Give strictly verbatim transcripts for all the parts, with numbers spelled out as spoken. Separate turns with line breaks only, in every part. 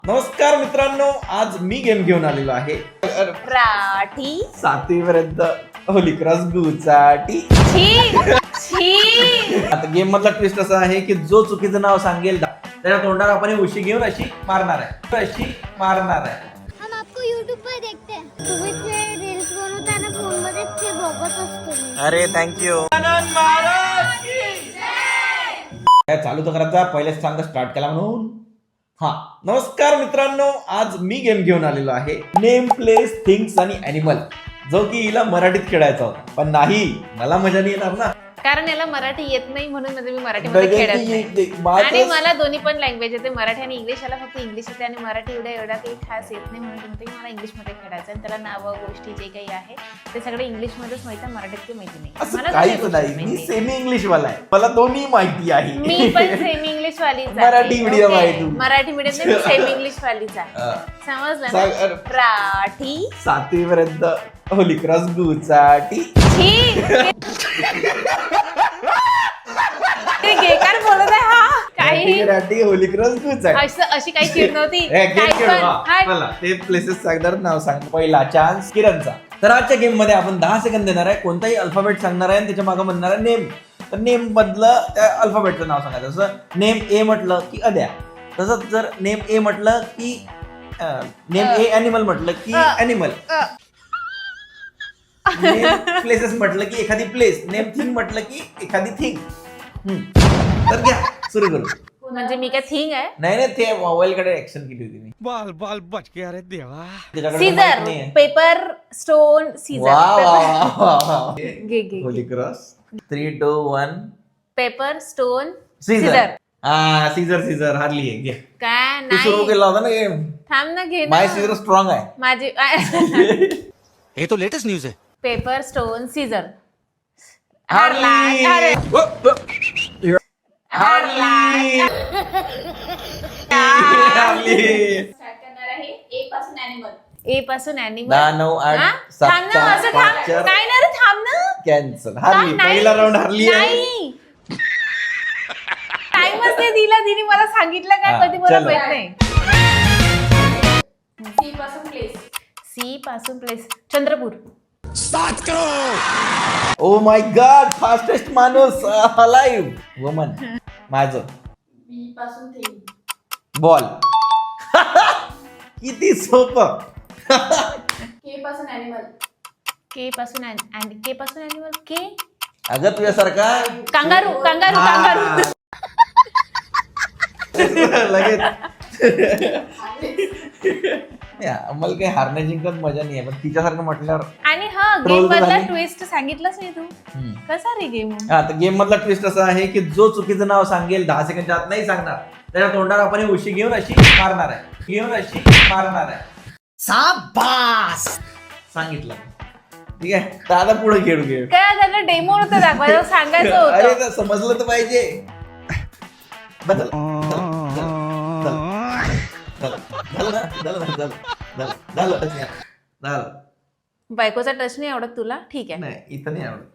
नमस्कार मित्रांनो, आज मी गेम घेऊन आलेलो आहे
राठी
सातवी पर्यंत होली क्रॉस गुचाटी.
छी छी.
आता गेम मधला ट्विस्ट असा आहे की जो चुकीचं नाव सांगेल त्याच्या तोंडावर आपण उशी घेऊन अशी मारणार आहे अशी मारणार आहे.
हम आपको YouTube पर देखते हैं. तुम्ही ते रील्स बनवताना फोन मध्ये ते बघत असतो मी.
अरे थँक्यू. काय चालू तर करायचा, पहिलेच सांग स्टार्ट केला म्हणून. हा नमस्कार मित्रांनो, आज मी गेम घेऊन आलेलो आहे नेम प्लेस थिंग्स आणि अॅनिमल, जो की हिला मराठीत खेळायचा होता, पण नाही मला मजा नाही येणार ना,
कारण याला मराठी येत नाही म्हणून म्हणजे मी मराठीमध्ये खेळत नाही. आणि मला दोन्ही पण लँग्वेज येते, मराठी आणि इंग्लिश. याला फक्त इंग्लिश येते आणि मराठी एवढ्या एवढा काही खास येत नाही, म्हणून म्हणते की मला इंग्लिशमध्ये खेळायचं आणि त्याला नावं गोष्टी जे काही आहे ते सगळे इंग्लिशमध्येच माहिती आहे, मराठीत काही माहिती नाही.
असं
मला
काहीच
दोन्ही
नाही,
गोष्टी
मी
माहिती.
सेमी इंग्लिश वाला आहे, मला दोन्ही माहिती आहे.
मी पण सेमी इंग्लिश वालीच आहे.
मराठी medium आहे तू.
मराठी मीडियम नाही, सेमी इंग्लिश वालीच आहे.
हा.
समजलं
सांग,
ना?
अरे.
राठी
सातवी पर्यंत होली क्रॉस गुचाटी.
छी. ते गेकार बोलत आहे हा काही
राठी होली क्रॉस गुचाटी.
असं अशी काही चिड नव्हती.
हे गेम
काय
खेळू,
पण,
हा.
हा.
चला, ते प्लेसेस सांगणार, नाव सांग. पहिला चान्स किरणचा. तर आजच्या गेम मध्ये आपण दहा सेकंद देणार आहे, कोणताही अल्फाबेट सांगणार आहे आणि त्याच्या मागे म्हणणार आहे नेम. तर नेम मधलं त्या अल्फाबेटचं नाव सांगायचं. जसं नेम ए म्हटलं की अद्या, तसंच जर नेम ए म्हटलं की नेम ए अॅनिमल म्हटलं की
अ.
अॅनिमल.
अ.
प्लेसेस म्हटलं की एखादी प्लेस. नेम थिंग म्हटलं की एखादी थिंग. तर घ्या सुरू करू.
म्हणजे मी काय थिंग आहे.
नाही नाही, ते मोबाईल कडे ऍक्शन केली होती मी.
बाल बाल बच गया रे देवा.
त्याच्याकडे माहित
सीझर
नाहीये.
पेपर स्टोन
वा
सीझर
वा वा वा.
घे घे
holy cross. Three two one.
Paper stone
scissor.
Scissor
हा सीझर सीझर हारली आहे. घे.
काय
तू सुरू
नाही
केला होता ना गेम.
थांब ना घे ना.
माय सीझर स्ट्रॉंग आहे.
माझी
ये तो लेटेस्ट न्यूज है.
पेपर स्टोन सीझर
हारली.
हारला.
हारली. हारली.
ए पासून अॅनिमल.
दहा नऊ आठ सात
थांब ना,
चार
असं
पाच
थांब.
चार.
नाही ना रे, थांब ना.
कॅन्सल. हारली.
नाही.
पहिला राऊंड हारली आहे.
नाही टाइमच नाही दिला तिने, मला सांगितलं
हा,
काय कधी मला
चलो.
माहित नाही. सी पासून प्लेस. सी पासून place Chandrapur.
Oh my God, fastest माणूस अलाइव्ह वुमन. माझं
बी पासून थिंग.
बॉल. किती सोपं.
के पासून अॅनिमल. के पासून अॅन- के पासून अॅनिमल. के
अगं तुझ्यासारखा
कांगारू कांगारू कांगारू.
लगेच. मला काही हारण्या जिंकत मजा नाही आहे, पण तिच्यासारखं म्हटल्यावर.
आणि हा
Troll
गेम
तर
मधला
झाली.
ट्विस्ट सांगितलंच नाही तू.
हम्म.
कसा रे गेम.
हा तर गेम मधला ट्विस्ट असा आहे की जो चुकीचं नाव सांगेल दहा सेकंडच्या आत नाही सांगणार, त्याच्या तोंडावर आपण उशी घेऊन अशी मारणार आहे घेऊन अशी मारणार आहे. साबास. सांगितलं. ठीक आहे, तर आता पुढे खेळू खेळ.
काय झालं, डेमो होतं दाखवायचं, सांगायचं
अरे
होतं.
तर समजलं तर पाहिजे. बदल झालं ना, झालं ना, झालं झालं झालं झालं.
बायकोचा टच नाही आवडत तुला, ठीक आहे.
नाही इथं नाही आवडत.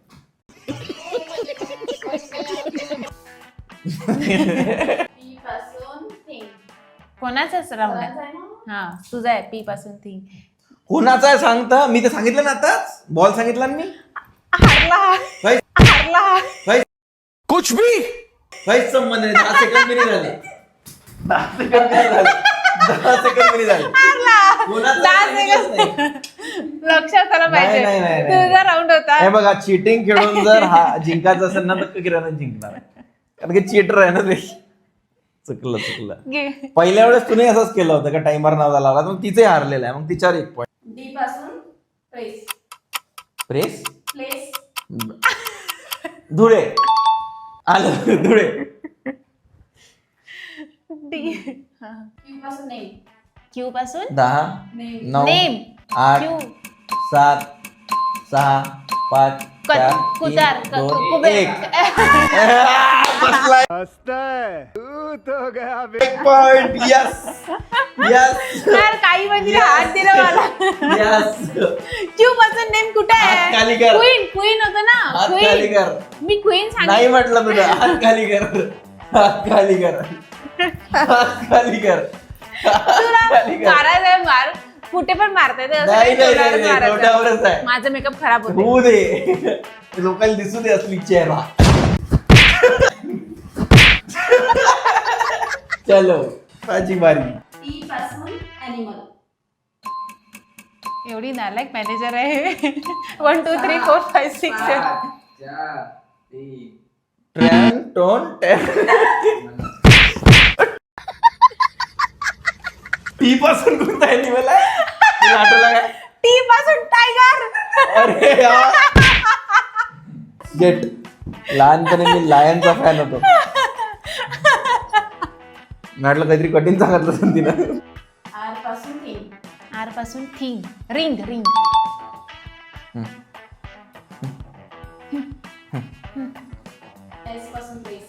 कोणाचाच राऊंड आहे. हा तुझा आहे. पी पासून थिंग.
कोणाचा आहे सांगता, मी तर सांगितलं ना आताच. बॉल सांगितला ना मी.
हारला
काहीच
हारला.
काहीच
कुछ भी.
काहीच संबंध नाही. दहा सेकंद मिनिट झाले. दहा सेकंद मिनिट झाले. दहा सेकंद मिनिट झाले. कोणाचा
दहा
आहे सांगितलंच नाही.
लक्षात आलं पाहिजे.
नाही, नाही, नाही.
तुझा राऊंड होता.
हे बघा, चिटिंग खेळून जर हा जिंकायचं असेल ना तर किरण जिंकणार आहे, कारण की चीटर आहे ना ते. चुकलं चुकलं.
घे.
पहिल्या वेळेस तुने असंच केलं होतं का, टाइमर नाव लावला, मग तिचे हारलेलं आहे, मग तिच्यावर एक पॉईंट.
डी पासून प्लेस.
प्रेस.
प्लेस.
धुळे. आलं धुळे.
डी. क्यू पासून नेम. क्यू पासून
दहा नऊ
नेम.
आठ
क्यू.
सात सहा पाच चार
कुतार
तीन, दोन,
कुबेर.
एक. बसलाय.
तू तो गया.
एक पॉइंट. यस यस
यार काही म्हणजे हात दिला मला.
यस.
क्यू पासून नेम कुठे
हात
आहे.
खाली कर.
क्वीन क्वीन होतं ना.
हात खाली
क्वीन.
कर.
मी क्वीन
नाही
सांगितलं.
म्हटलं तुला. हात खाली कर. हात खाली कर. हात खाली कर.
तुला मारायचंय मार, कुठे पण मारता येते, असं
नाही,
नाही
नाही,
तोंडावरच
नाही, नाही, तोंडावरच
मारायचं.
आहे.
माझा मेकअप खराब होतो.
होऊ दे, लोकांना दिसू दे असली चेहरा. चलो माझी बारी.
टी पासून ॲनिमल.
एवढी नालायक मॅनेजर आहे. One two three four five six seven.
ट्रॅन टोन टी पासून कोणता ॲनिमल आहे तुला आठवलं काय?
टी पासून टायगर.
अरे यार गेट. लहानपणी मी लायनचा फॅन होतो. म्हटलं काहीतरी कठीण सांगितलं असेल तिनं.
आर पासून थिंग.
आर पासून थिंग. Ring ring.
एस पासून प्लेस.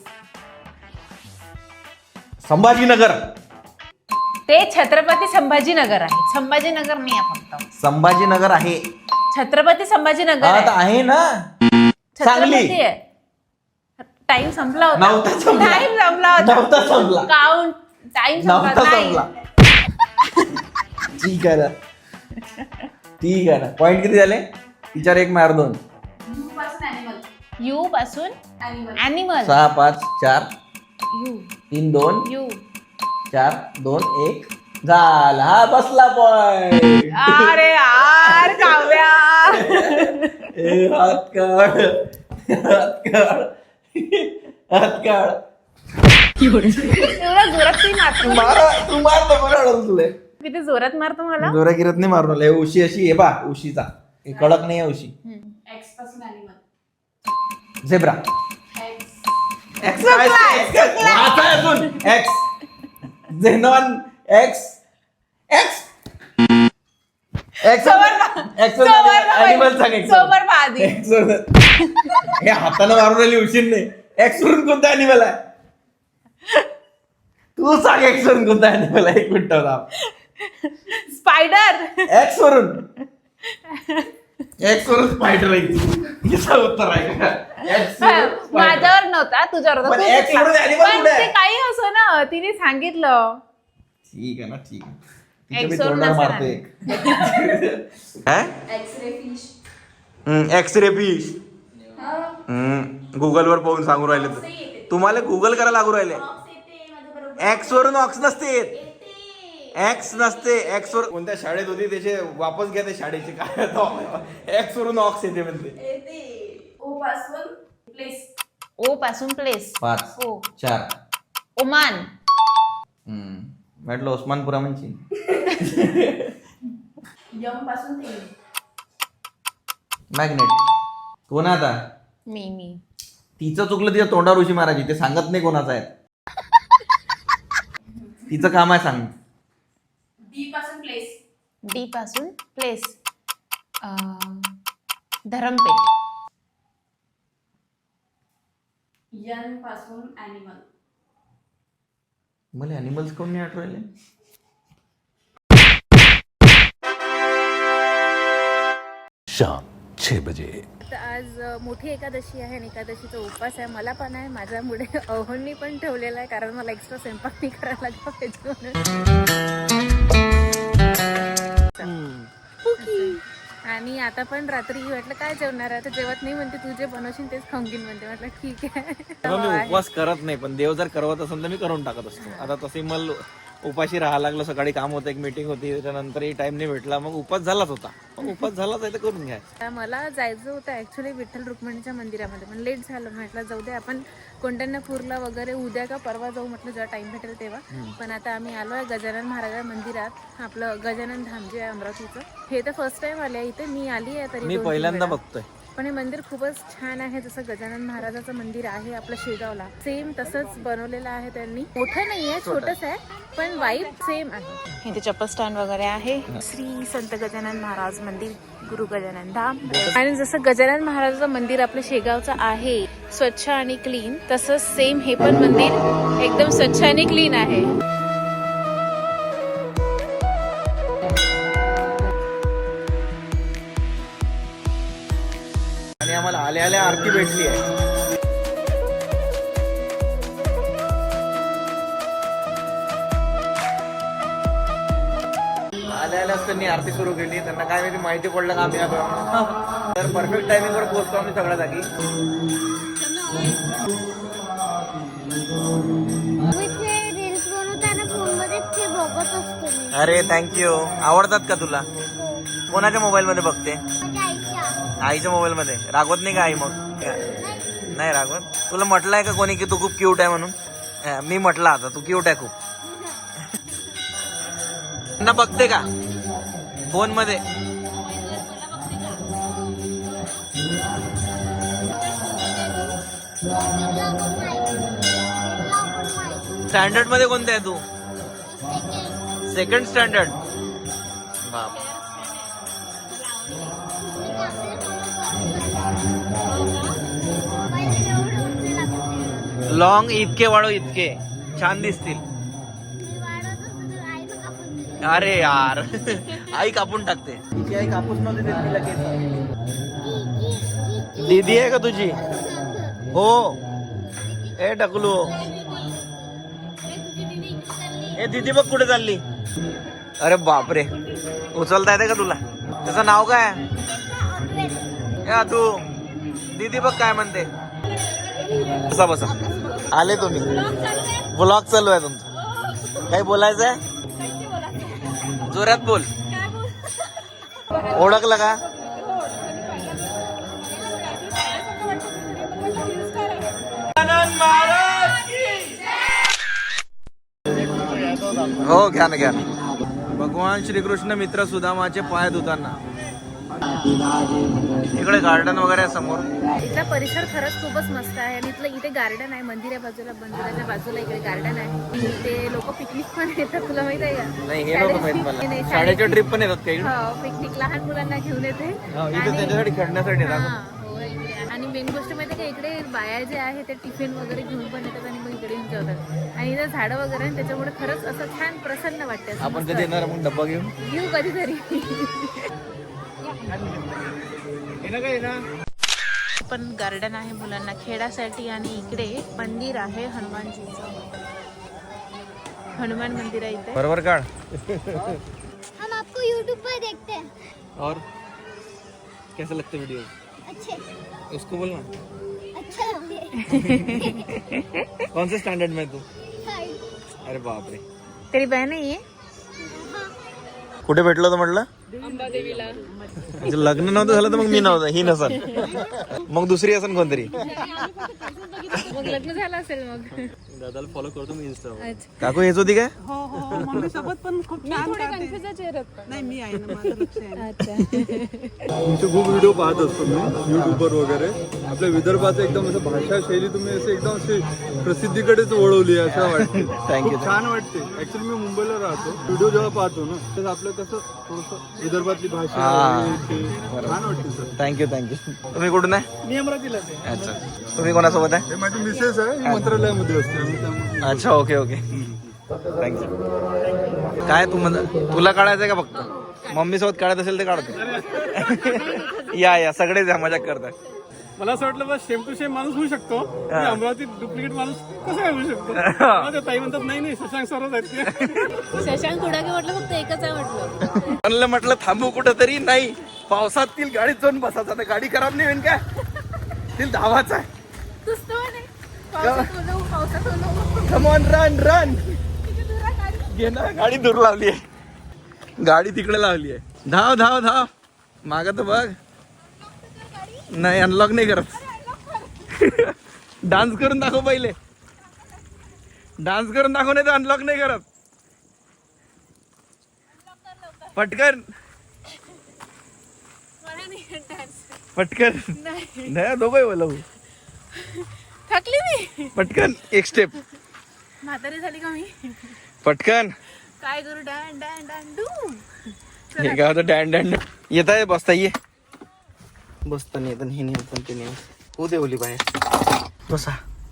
संभाजीनगर.
ते छत्रपती संभाजीनगर आहे. संभाजीनगर नाही आहे फक्त.
संभाजीनगर आहे.
छत्रपती संभाजीनगर
हा, आता
आहे.
आहे ना सांगली.
छत्रपती आहे. टाइम संपला होता.
नव्हता संपला.
टाइम संपला होता.
नव्हता संपला.
काउंट टाइम
नव्हता
संपला
संपला.
नाही.
ठीक आहे ना, ठीक आहे ना. पॉइंट किती झाले? तिच्यावर एक मार दोन.
यू पासून ॲनिमल.
यू पासून
ॲनिमल.
ॲनिमल.
सहा पाच चार
यू
तीन दोन
यू.
चार दोन एक झाला. हा बसला पॉइंट.
अरे यार काव्या.
ए, हात काढ, हात काढ, हात काढ.
एवढा जोरात ती मारतो.
मारा तू मार नको रडवलं तुला.
किती जोरात मारतो मला.
जोरा गिरत नाही मारून हे उशी अशी आहे बा. उशीचा हे कडक नाही आहे उशी.
एक्स पासून ॲनिमल.
झेब्रा.
एक्स.
एक्स वाचा अजून. X xenon. X X X X animal सांग. एक्स
सोबर आधी.
एक्स हे हाताने मारून राहिली उशीर नाही. एक्स वरून कोणता ॲनिमल आहे तू सांग. एक्स वरून कोणता ॲनिमल आहे? एक मिनिट होता.
स्पायडर.
एक्स वरून एक्स वरून स्पायडर आहे. याचं उत्तर आहे का? X वरून spider.
माझ्यावर नव्हता तुझ्यावर होता.
पण
तू
X
चुकला.
वरून animal
पण
कुठे आहे?
ते काही असो ना तिने सांगितलं.
ठीक आहे ना, ठीक आहे. तिच्या
X
मी
वरून
तोंडावर
नसेल
मारतोय.
X ray fish.
X ray fish. Google वर पाहून सांगू राहिले तर तुम्हाला गुगल करायला लागू राहिले. एक्स वरून ऑक्स नसते. एक्स नसते. एक्स वर कोणत्या शाळेत होती त्याचे वापस घ्या. ते शाळेचे काय एक्स वरून ऑक्स येते म्हणते.
ओ पासून प्लेस.
ओ पासून प्लेस.
पाच
ओ.
चार.
ओमान.
हम्म म्हटलं ओस्मानपुरा म्हणजे.
यम पासून थिंग.
मॅग्नेट. कोण आहे आता?
मी मी
तिचं चुकलं तिच्या तोंडावर उशी मारायची. ते सांगत नाही कोणाचं आहे. तिचं काम आहे सांग.
डी पासून प्लेस.
डी पासून प्लेस. धरमपेठ.
यन पासून ॲनिमल.
मला ॲनिमल्स कोण नाही आठवले.
शाम छह बजे.
तर आज अ, मोठी एकादशी आहे आणि एकादशीचा उपवास आहे. मला पण आहे. माझ्यामुळे अहोंनी पण ठेवलेला आहे कारण मला एक्स्ट्रा स्वयंपाक नाही करायला लागला पाहिजे म्हणून. आणि आता पण रात्री म्हटलं काय जेवणार आहे तर जेवत नाही म्हणते. तू जे बनवशील तेच खाऊन घेईन म्हणते. म्हटलं ठीक आहे.
मी उपवास करत नाही पण देव जर करवत असेल तर मी करून टाकत असतो. आता तसे मला उपाशी राहायला लागलं. सकाळी काम होतं, एक मीटिंग होती, त्याच्यानंतरही टाइम नाही भेटला. मग उपवास झालाच होता. मग उपवास झालाच आहे तर करून घ्या.
तर मला जायचं होतं ॲक्च्युली विठ्ठल रुक्मिणीच्या मंदिरामध्ये पण लेट झालं. म्हटलं जाऊ दे आपण कोंढाण्यापूरला वगैरे उद्या का परवा जाऊ म्हटलं जेव्हा टाइम भेटेल तेव्हा. पण आता आम्ही आलो आहे गजानन महाराज मंदिरात. आपलं गजानन धाम जे आहे अमरावतीचं. हे तर फर्स्ट टाइम आले आहे इथे. मी आली आहे तरी
मी
दोन तीन
पहिल्यांदा
वेळा.
बघतोय.
पण हे मंदिर खूपच छान आहे. जसं गजानन महाराजाचं मंदिर आहे आपलं शेगावला सेम तसंच बनवलेलं आहे त्यांनी. मोठं नाही आहे, छोटंच आहे पण वाईब सेम आहे. इथे चप्पल स्टँड वगैरे आहे. श्री संत गजानन महाराज मंदिर गुरु गजानन धाम. आणि जसं गजानन महाराजाचं मंदिर आपलं शेगावचं आहे स्वच्छ आणि क्लीन तसंच सेम हे पण मंदिर एकदम स्वच्छ आणि क्लीन आहे.
आणि आम्हाला आल्या आल्या आरती भेटली आहे. आल्या आल्याच त्यांनी आरती सुरू केली. त्यांना काय माहिती माहिती पडलं का आम्ही आलो. तर परफेक्ट टायमिंगवर पोहोचतो आम्ही सगळ्या जागी.
रील्स बनवताना फोन मध्ये ते बघत असतो मी.
अरे थँक्यू. आवडतात का तुला? कोणाच्या मोबाईल मध्ये बघते?
माझ्या आईच्या.
आईच्या मोबाईल मध्ये. रागवत नाही का आई मग? नाही रागवत. तुला म्हटलंय का कोणी की तू खूप क्यूट आहे म्हणून? मी म्हटलं आता तू क्यूट आहे खूप. त्यांना बघते का फोन मध्ये? स्टँडर्ड मध्ये कोणते आहे तू? Second standard. बाप. लॉंग इतके वाढव इतके छान दिसतील. अरे यार आई कापून टाकते. तिची आई कापूस नव्हती देत तिला केस. दीदी आहे का तुझी? हो. ए टकलू. ए दीदी बघ कुठे चालली. अरे बापरे. उचलता येते का तुला? त्याचं नाव काय? या तू. दीदी बघ काय म्हणते. बसा बसा. आले तुम्ही. व्लॉग चालू आहे तुमचं. काही बोलायचं आहे? जोरात बोल. ओळखलं का? हो घ्या ना घ्या ना. भगवान श्रीकृष्ण मित्र सुदामाचे पाय धुताना. इकडे गार्डन वगैरे आहे समोर.
इथला परिसर खरंच खूपच मस्त आहे आणि इथलं इथे गार्डन आहे. मंदिरा बाजूला मंदिराच्या बाजूला इकडे गार्डन आहे. इथे लोक पिकनिक पण येतात. तुला माहित आहे का?
नाही हे नव्हतं माहित मला.
नाही,
शाळेच्या ट्रिप पण येतात काही.
हो पिकनिक लहान मुलांना घेऊन येते.
इथे
आणि-
त्याच्यासाठी खेळण्यासाठी येतात.
हा, हो, इकडे. आणि मेन गोष्ट माहिती आहे का इकडे बाया जे आहे ते टिफिन वगैरे घेऊन पण येतात आणि मग इकडे येऊन जेवतात. आणि इथं झाडं वगैरे आहे त्याच्यामुळे खरंच असं छान प्रसन्न वाटते. असं
आपण
मस्त
कधी येणार मग डब्बा घेऊन?
घेऊ कधीतरी. पण गार्डन आहे मुलांना खेळासाठी आणि इकडे मंदिर आहे हनुमानजीचं. हनुमान मंदिर आहे इथे.
बरोबर काढ.
हम आपको यूट्यूब पर देखते हैं.
और कैसा लगता है वीडियो?
अच्छे
उसको बोलना.
अच्छा लगते हैं.
कौन से स्टैंडर्ड में तू?
हाय.
अरे बाप रे.
तेरी बहन आहे ये?
कुठे भेटलो होतं म्हटलं?
अंबादेवीला.
म्हणजे लग्न नव्हतं झालं तर मग मी नव्हतं. ही नसन मग दुसरी असन कोणतरी.
मग लग्न झालं असेल मग.
दादाला फॉलो करतो मी इंस्टा.
अच्छा.
काकू येत होती काय?
हो हो हो मम्मी सोबत पण खूप छान वाटते. नाही मी आहे ना माझं लक्ष आहे.
अच्छा.
तुमचे खूप व्हिडिओ पाहत असतो मी युट्यूबवर वगैरे. आपल्या विदर्भाचं एकदम असं भाषा शैली तुम्ही असं एकदम अशी प्रसिद्धीकडेच वळवली आहे असं वाटते.
थँक्यू.
खूप छान वाटते. ऍक्च्युली मी मुंबईला राहतो. व्हिडिओ जेव्हा पाहतो ना तर आपलं कसं थोडंसं विदर्भातली भाषा
हा.
हे ते छान वाटते सर.
Thank you thank you. तुम्ही कुठून आहे?
मी अमरावतीला
अच्छा. तुम्ही कोणासोबत आहे?
हे माझी मिसेस आहे. ही मंत्रालयामध्ये असते आम्ही त्यामुळे.
अच्छा ओके ओके. थँक्यू. काय तू म्हण तुला काढायचंय का फक्त? मम्मी सोबत काढत असेल ते काढतो. या या सगळेच या मजाक करतात.
मला असं वाटलं बस सेम टू सेम माणूस होऊ शकतो.
हा.
अमरावतीत डुप्लिकेट माणूस कसं काय होऊ शकतो? मला त्या ताई म्हणतात नाही नाही शशांक सरच आहेत ते.
शशांक कुडाके म्हटलं फक्त एकच आहे म्हटलं.
म्हणलं म्हटलं थांबू कुठं तरी नाही. पावसात तील गाडीत जाऊन बसायचं. आता गाडी खराब नाही होईल काय? तील धावाच आहे.
तूच तो म्हणे. पावसात बोलव, पावसात बोलव.
Come on run run. घे ना गाडी दूर लावली आहे. गाडी तिकडे लावली आहे. धाव धाव धाव. माग तर बघ. नाही अनलॉक नाही करत. डान्स करून दाखव पहिले. डान्स करून दाखव नाही तर अनलॉक नाही करत. पटकन पटकन. नाही दोघं बोलव.
थकली मी.
पटकन एक स्टेप.
म्हातारी झाली का मी?
पटकन.
काय करू? डॅन डॅन डॅन डू.
हे काय होतं डॅन डॅन. येत आहे बसता ये. बसता नाही येत हे नाही होत ते नाही होऊ दे ओली बाहेर. बसा.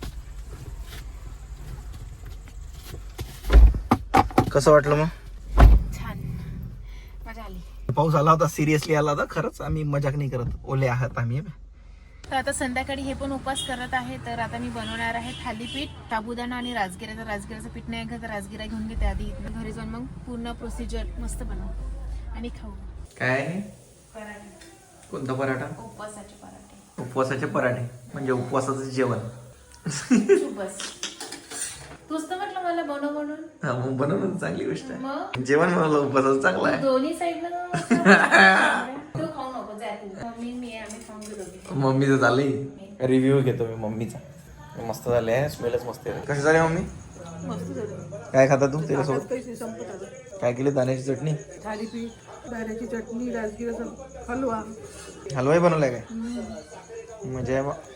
कसं वाटलं मग?
छान मजा आली.
पाऊस आला होता. सिरियसली आला होता. खरंच आम्ही मजाक नाही करत. ओले आहात आम्ही.
तर आता संध्याकाळी हे पण उपवास करत आहे. तर आता मी बनवणार आहे थालीपीठ, साबुदाणा आणि राजगिरा. तर राजगिराचं पीठ नाही आहे का तर राजगिरा घेऊन घेते आधी. घरी जाऊन मग पूर्ण प्रोसिजर मस्त बनव. आणि खाऊ
काय
पराठे
कोणता पराठा
उपवासाचे पराठे
उपवासाचे पराठे म्हणजे उपवासाचं जेवण
बस तूच तर म्हटलं मला बनव म्हणून
हा मग बनवणं चांगली गोष्ट आहे
मग
जेवण बनवलं उपवासाचं चांगलं आहे
दोन्ही साईडला तू खाऊ नको जा तू मम्मी मी आम्ही खाऊन घेऊ दोघी.
मम्मीचं झालंय रिव्ह्यू घेतो मी मम्मीचा मस्त झाले स्मेलच मस्त आहे कशी झाली मम्मी
मस्त झालं
काय खाता तू त्याच्यासोबत
पैसे संपत आलं
काय केली दाण्याची चटणी
थालीपीठ दाण्याची चटणी राजगिराचा हलवा
हलवाही बनवलाय काय म्हणजे